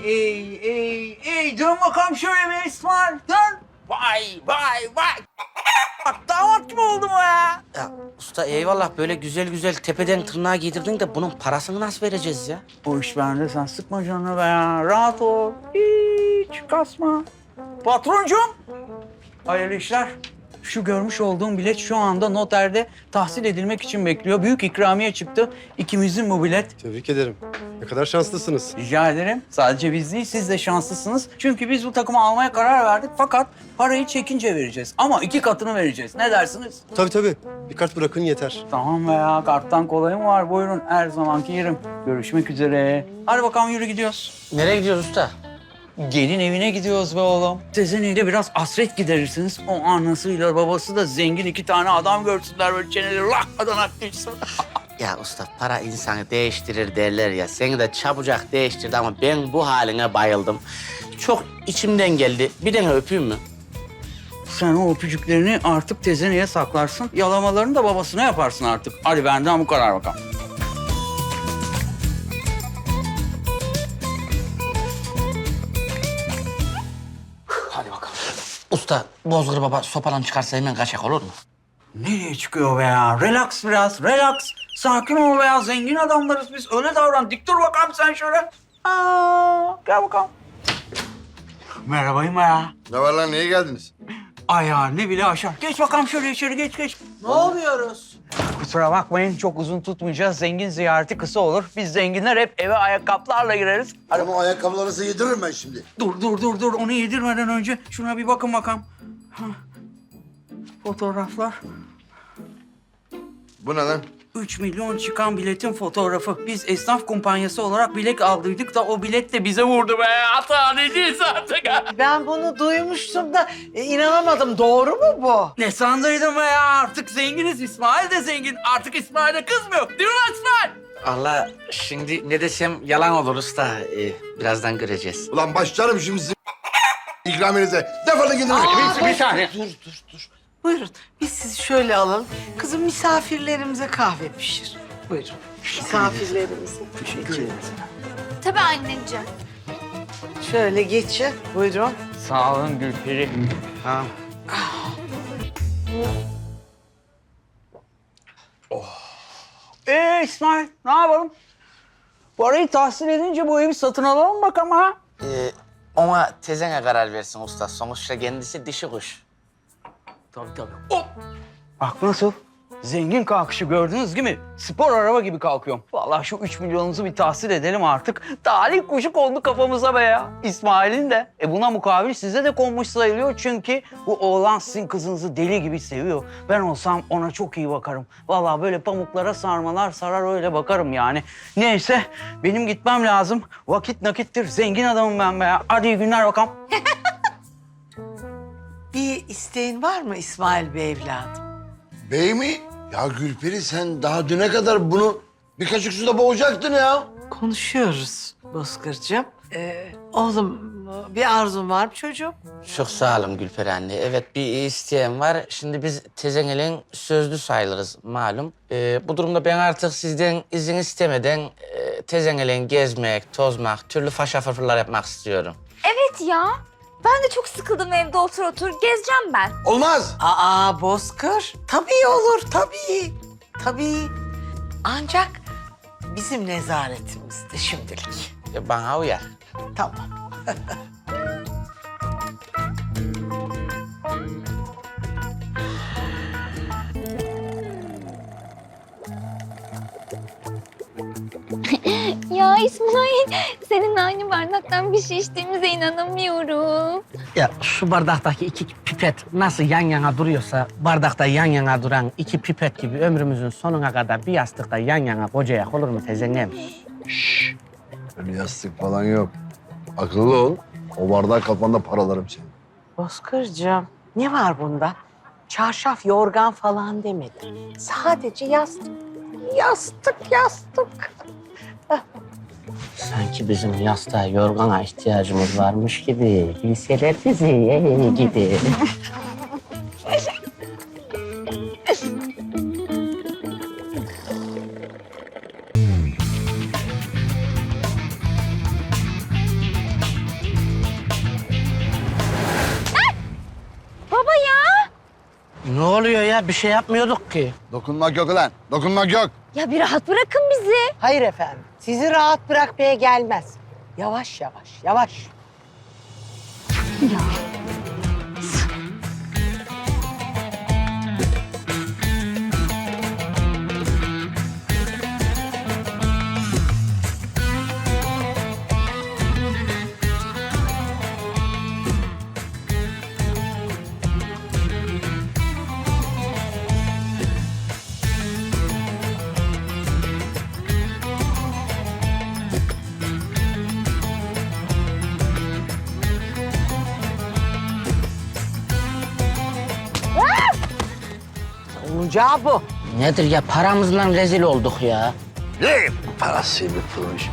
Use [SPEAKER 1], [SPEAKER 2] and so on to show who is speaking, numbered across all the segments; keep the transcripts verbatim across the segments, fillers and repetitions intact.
[SPEAKER 1] ey, ey, ey. Dön bakalım şöyle bir İsmail. Dön. Vay, vay, vay. Bak damat gibi oldu mu ya?
[SPEAKER 2] Ya usta eyvallah böyle güzel güzel tepeden tırnağa giydirdin de bunun parasını nasıl vereceğiz ya?
[SPEAKER 1] Bu iş bende, sen sıkma canını be ya. Rahat ol. Hiç kasma. Patroncum. Hayırlı işler. Şu görmüş olduğum bilet şu anda noterde tahsil edilmek için bekliyor. Büyük ikramiye çıktı. İkimizin bu bilet.
[SPEAKER 3] Tebrik ederim. Ne kadar şanslısınız.
[SPEAKER 1] Rica ederim. Sadece biz değil, siz de şanslısınız. Çünkü biz bu takımı almaya karar verdik. Fakat parayı çekince vereceğiz. Ama iki katını vereceğiz. Ne dersiniz?
[SPEAKER 3] Tabii tabii. Bir kart bırakın yeter.
[SPEAKER 1] Tamam be ya. Karttan kolay mı var? Buyurun. Her zamanki yerim. Görüşmek üzere. Hadi bakalım yürü gidiyoruz.
[SPEAKER 2] Nereye gidiyoruz usta?
[SPEAKER 1] Gelin evine gidiyoruz be oğlum. Tezeneyle biraz hasret giderirsiniz. O anasıyla babası da zengin iki tane adam görsünler böyle çeneleri lakmadan akmışsın.
[SPEAKER 2] Ya usta para insanı değiştirir derler ya. Seni de çabucak değiştirdi ama ben bu haline bayıldım. Çok içimden geldi. Bir tane öpeyim mi?
[SPEAKER 1] Sen o öpücüklerini artık tezeneye saklarsın. Yalamalarını da babasına yaparsın artık. Hadi benden bu kadar bakalım.
[SPEAKER 2] Hadi bakalım. Usta Bozgır Baba sopadan çıkarsa hemen kaçak olur mu?
[SPEAKER 1] Nereye çıkıyor be ya? Relax biraz, relax. Sakin ol be ya. Zengin adamlarız biz. Öyle davran. Dik dur bakalım sen şöyle. Aa, gel bakalım. Merhabayım ya.
[SPEAKER 4] Ne var lan, niye geldiniz?
[SPEAKER 1] Ayağını bile aşar. Geç bakalım şöyle içeri, geç geç.
[SPEAKER 2] Ne oluyoruz?
[SPEAKER 1] Kusura bakmayın, çok uzun tutmayacağız. Zengin ziyareti kısa olur. Biz zenginler hep eve ayakkabılarla gireriz. Hadi.
[SPEAKER 4] Ama ayakkabılarınızı yediririm ben şimdi.
[SPEAKER 1] Dur, dur, dur, dur. Onu yedirmeden önce şuna bir bakın bakalım. Ha. Fotoğraflar.
[SPEAKER 4] Bu ne lan?
[SPEAKER 1] Üç milyon çıkan biletin fotoğrafı. Biz esnaf kumpanyası olarak bilet aldıydık da o bilet de bize vurdu be. Hata ne değilse artık.
[SPEAKER 5] Ben bunu duymuştum da e, inanamadım. Doğru mu bu?
[SPEAKER 1] Ne sandıydın be ya? Artık zenginiz. İsmail de zengin. Artık İsmail'e kız mı yok? Değil mi lan İsmail?
[SPEAKER 2] Allah şimdi ne desem yalan olur usta. Ee, birazdan göreceğiz.
[SPEAKER 4] Ulan başlarım şimdi sizin ikraminize. Defolun gidin.
[SPEAKER 1] Bir, bir saniye.
[SPEAKER 5] Dur, dur, dur. Buyurun, biz sizi şöyle alalım. Kızım misafirlerimize kahve pişir. Buyurun. Misafirlerimize.
[SPEAKER 1] Teşekkür ederim.
[SPEAKER 6] Tabii anneciğim.
[SPEAKER 5] Şöyle geçin. Buyurun.
[SPEAKER 1] Sağ olun Gülperi.
[SPEAKER 2] Tamam.
[SPEAKER 1] Ee İsmail, ne yapalım? Parayı tahsil edince bu evi satın alalım bakalım ha.
[SPEAKER 2] Ee, ona tezene karar versin usta. Sonuçta kendisi dişi kuş.
[SPEAKER 1] Tabii tabii. Hop! Bak nasıl? Zengin kalkışı gördünüz değil mi? Spor araba gibi kalkıyorum. Vallahi şu üç milyonunuzu bir tahsil edelim artık. Talih kuşu kondu kafamıza be ya. İsmail'in de. E buna mukabil size de konmuş sayılıyor. Çünkü bu oğlan sizin kızınızı deli gibi seviyor. Ben olsam ona çok iyi bakarım. Vallahi böyle pamuklara sarmalar sarar öyle bakarım yani. Neyse benim gitmem lazım. Vakit nakittir. Zengin adamım ben be ya. Hadi iyi günler bakalım.
[SPEAKER 5] Bir isteğin var mı İsmail Bey evladım?
[SPEAKER 4] Bey mi? Ya Gülperi, sen daha düne kadar bunu bir kaşık suda boğacaktın ya.
[SPEAKER 5] Konuşuyoruz Bozkır'cığım. Ee, oğlum bir arzun var mı çocuğum?
[SPEAKER 2] Çok sağ olun Gülperi anne. Evet bir isteğim var. Şimdi biz tezenelin sözlü sayılırız malum. Ee, bu durumda ben artık sizden izin istemeden e, tezenelin gezmek, tozmak, türlü faşa fırfırlar yapmak istiyorum.
[SPEAKER 6] Evet ya. Ben de çok sıkıldım evde otur otur. Gezeceğim ben.
[SPEAKER 4] Olmaz.
[SPEAKER 5] Aa Bozkır. Tabii olur, tabii. Tabii. Ancak bizim nezaretimizde şimdilik.
[SPEAKER 2] E, bana uyar.
[SPEAKER 5] Tamam.
[SPEAKER 6] Ya İsmail, senin aynı bardaktan bir şey içtiğimize inanamıyorum.
[SPEAKER 7] Ya şu bardaktaki iki pipet nasıl yan yana duruyorsa bardakta yan yana duran iki pipet gibi ömrümüzün sonuna kadar bir yastıkta yan yana kocayak olur mu tezenem?
[SPEAKER 4] Öyle yastık falan yok. Akıllı ol. O bardağı kafanda paralarım seni.
[SPEAKER 5] Bozkır'cığım ne var bunda? Çarşaf, yorgan falan demedim. Sadece yastık. Yastık, yastık.
[SPEAKER 7] Sanki bizim yastığa yorgana ihtiyacımız varmış gibi. Bilseler bizi gibi. Ne oluyor ya? Bir şey yapmıyorduk ki.
[SPEAKER 4] Dokunmak yok lan. Dokunmak yok.
[SPEAKER 6] Ya bir rahat bırakın bizi.
[SPEAKER 5] Hayır efendim. Sizi rahat bırakmaya gelmez. Yavaş yavaş, yavaş. Olacağı bu.
[SPEAKER 7] Nedir ya? Paramızla rezil olduk ya.
[SPEAKER 4] Ne parasıyla proje.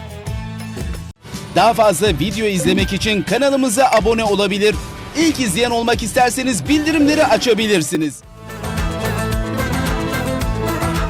[SPEAKER 8] Daha fazla video izlemek için kanalımıza abone olabilir. İlk izleyen olmak isterseniz bildirimleri açabilirsiniz.